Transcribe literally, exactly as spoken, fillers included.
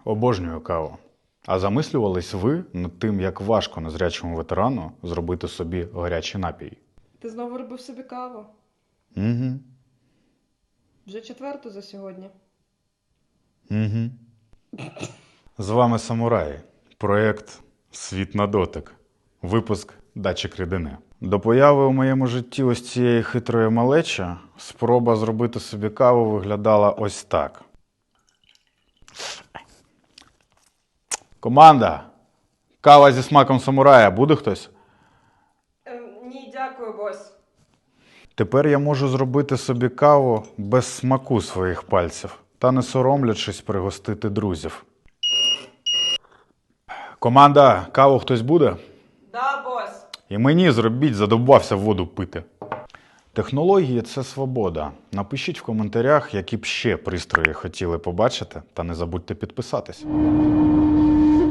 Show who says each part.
Speaker 1: Обожнюю каву. А замислювались ви над тим, як важко незрячому ветерану зробити собі гарячий напій?
Speaker 2: Ти знову робив собі каву?
Speaker 1: Угу.
Speaker 2: Вже четверту за сьогодні.
Speaker 1: Угу. З вами Самураї. Проєкт «Світ на дотик». Випуск «Датчик рідини». До появи у моєму житті ось цієї хитрої малечі спроба зробити собі каву виглядала ось так. Команда! Кава зі смаком самурая. Буде хтось?
Speaker 2: Е, ні, дякую, бос.
Speaker 1: Тепер я можу зробити собі каву без смаку своїх пальців та не соромлячись пригостити друзів. Команда, каву хтось буде?
Speaker 2: Да, бос.
Speaker 1: І мені зробіть, задовбався воду пити. Технології – це свобода. Напишіть в коментарях, які б ще пристрої хотіли побачити, та не забудьте підписатись.